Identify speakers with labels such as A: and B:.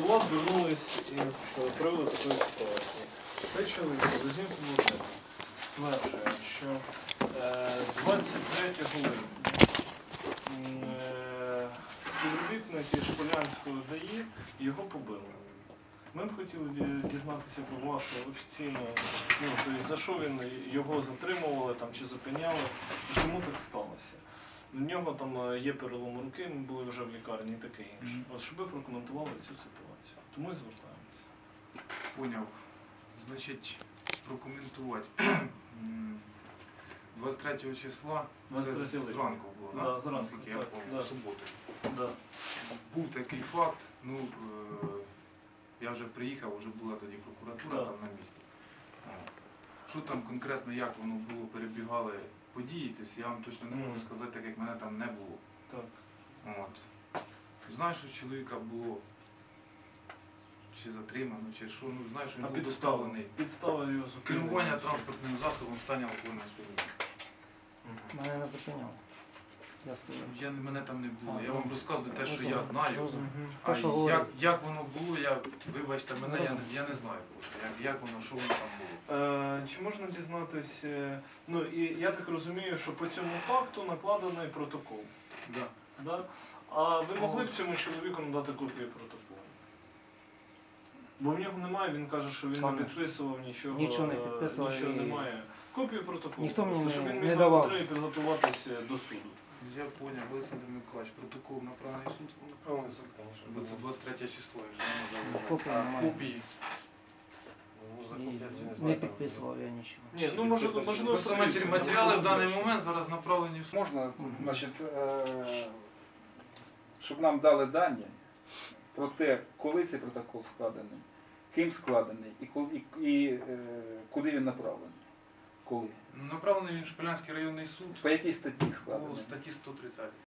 A: До вас звернулись із приводу такої ситуації. Цей чоловік з Лозінського стверджує, що 23 липня співробітники Шполянського ДАІ його побили. Ми б хотіли дізнатися про вашу офіційну, тобто, за що він його затримували там, чи зупиняли, і чому так сталося. В нього там є перелом руки, ми були вже в лікарні і таке інше. От щоб ви прокоментували цю ситуацію. Тому і звертаємося.
B: Поняв. Значить, прокоментувати. 23 числа,
A: 23
B: це
A: липня.
B: зранку було,
A: Да, зранку,
B: наскільки я
A: так,
B: пам'ятаю,
A: да.
B: в суботу.
A: Да.
B: Був такий факт, я вже приїхав, вже була тоді прокуратура
A: Да.
B: там на місці. Що там конкретно, як воно було, перебігали події ці всі, я вам точно не можу сказати, так як мене там не було.
A: Так.
B: От. Знаю, що чоловіка було чи затримано, чи що, знаю, що він був доставлений.
A: Підстава його зупинення.
B: Керування транспортним засобом в стані алкогольного сп'яніння.
C: Мене не зупиняв. Я стояв.
B: Мене там не було.
C: А,
B: Я вам розказую те, що
C: розумію,
B: я знаю.
C: розумію.
B: А
C: Те, що говорю.
B: як воно було, вибачте мене, я не знаю просто. Як воно, що воно там було.
A: Чи можна дізнатись, і я так розумію, що по цьому факту накладений протокол.
B: Да.
A: Да? А ви могли б цьому чоловіку надати копію протоколу? Бо в нього немає, він каже, що він не підписував нічого.
C: Нічого не підписував
A: Нічого
C: і-
A: немає. Копію протоколу,
C: Ніхто мені
A: просто, щоб він
C: не
A: міг
C: давав.
A: на підготуватися до суду.
B: Я зрозумів, Олександр Миколаївич, протокол направлений в суд.
D: Направлений суд, конечно.
B: Бо це 23 число, я вже не можу.
C: Копії немає.
B: Копії.
D: Ну,
C: І
D: закупляти, я не
C: не
D: знаю.
C: підписував я нічого.
A: Ні, ну можливо,
B: Просто матеріали в даний момент зараз направлені в суд.
E: Можна, значить, щоб нам дали дані про те, коли цей протокол складений, ким складений і куди він направлений. Коли?
B: Направлений він в Шполянський районний суд
E: По якій статті
B: по
E: складений?
B: статті 130.